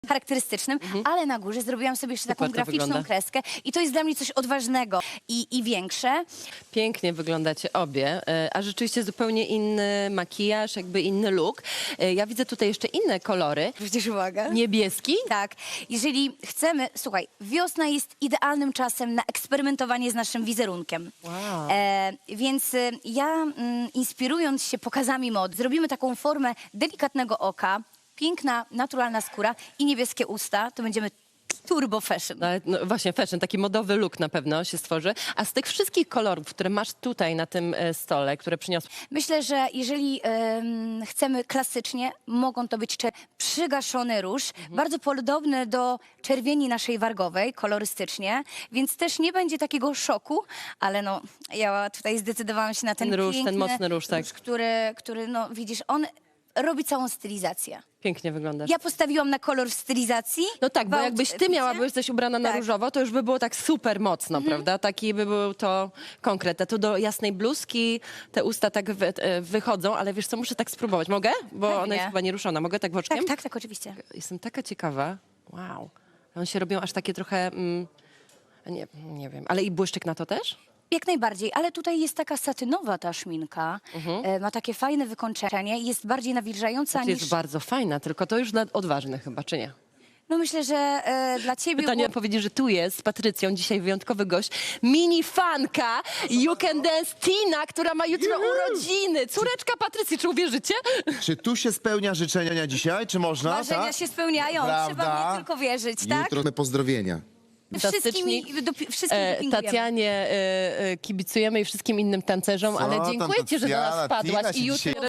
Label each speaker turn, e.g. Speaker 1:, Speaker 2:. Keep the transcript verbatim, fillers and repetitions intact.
Speaker 1: charakterystycznym, mhm. ale na górze zrobiłam sobie jeszcze taką
Speaker 2: Super to
Speaker 1: graficzną
Speaker 2: wygląda.
Speaker 1: kreskę i to jest dla mnie coś odważnego i, i większe.
Speaker 2: Pięknie wyglądacie obie, e, a rzeczywiście zupełnie inny makijaż, jakby inny look. E, Ja widzę tutaj jeszcze inne kolory.
Speaker 1: Zwrócisz uwagę?
Speaker 2: Niebieski?
Speaker 1: Tak. Jeżeli chcemy, słuchaj, wiosna jest idealnym czasem na eksperymentowanie z naszym wizerunkiem.
Speaker 2: Wow.
Speaker 1: E, więc e, ja, mm, inspirując się pokazami mod, zrobimy taką formę delikatnego oka, piękna, naturalna skóra i niebieskie usta. To będziemy turbo fashion.
Speaker 2: No, ale, no, właśnie fashion, taki modowy look na pewno się stworzy. A z tych wszystkich kolorów, które masz tutaj na tym e, stole, które przyniosłam,
Speaker 1: Myślę, że jeżeli em, chcemy klasycznie, mogą to być cze- przygaszony róż,
Speaker 2: Mhm.
Speaker 1: bardzo podobny do czerwieni naszej wargowej, kolorystycznie, więc też nie będzie takiego szoku, ale no, ja tutaj zdecydowałam się na ten,
Speaker 2: Ten róż, ten
Speaker 1: piękny
Speaker 2: mocny róż, tak.
Speaker 1: który, który, no widzisz, on robi całą stylizację.
Speaker 2: pięknie wyglądasz.
Speaker 1: Ja postawiłam na kolor stylizacji.
Speaker 2: No tak, bo
Speaker 1: gwałt
Speaker 2: jakbyś ty
Speaker 1: picie.
Speaker 2: miała, byś coś ubrana na
Speaker 1: Tak.
Speaker 2: różowo, to już by było tak super mocno, prawda? Taki by był to konkret. A tu do jasnej bluzki te usta tak wy, e, wychodzą, ale wiesz co, muszę tak spróbować. Mogę? Bo ona
Speaker 1: Pewnie.
Speaker 2: jest chyba nieruszona. Mogę tak woczkiem?
Speaker 1: Tak, tak, tak, oczywiście.
Speaker 2: Jestem taka ciekawa. Wow. One się robią aż takie trochę... Mm, nie, nie wiem. Ale i błyszczyk na to też?
Speaker 1: Jak najbardziej, ale tutaj jest taka satynowa ta szminka, e, ma takie fajne wykończenie, jest bardziej nawilżająca
Speaker 2: To
Speaker 1: niż...
Speaker 2: jest bardzo fajna, tylko to już dla odważnych chyba, czy nie?
Speaker 1: No myślę, że e, dla ciebie
Speaker 2: Pytanie
Speaker 1: było...
Speaker 2: powiedzieć, że tu jest z Patrycją dzisiaj wyjątkowy gość, mini fanka You Can Dance Tina, która ma jutro urodziny. Córeczka Patrycji, czy uwierzycie?
Speaker 3: Czy tu się spełnia życzenia dzisiaj, czy można?
Speaker 1: Marzenia
Speaker 3: tak?
Speaker 1: się spełniają,
Speaker 3: Prawda?
Speaker 1: trzeba mnie tylko wierzyć, tak?
Speaker 3: Jutro pozdrowienia.
Speaker 1: Wszystkimi,
Speaker 2: Fantastyczni.
Speaker 1: dopi- wszystkim
Speaker 2: E,
Speaker 1: dopingujemy.
Speaker 2: Tatianie e, e, kibicujemy i wszystkim innym tancerzom,
Speaker 3: Co
Speaker 2: ale
Speaker 3: tam,
Speaker 2: dziękuję ci, że do nas
Speaker 3: Tatiana,
Speaker 2: wpadłaś
Speaker 3: Tina
Speaker 2: i
Speaker 3: się
Speaker 2: jutro...
Speaker 3: dzisiaj-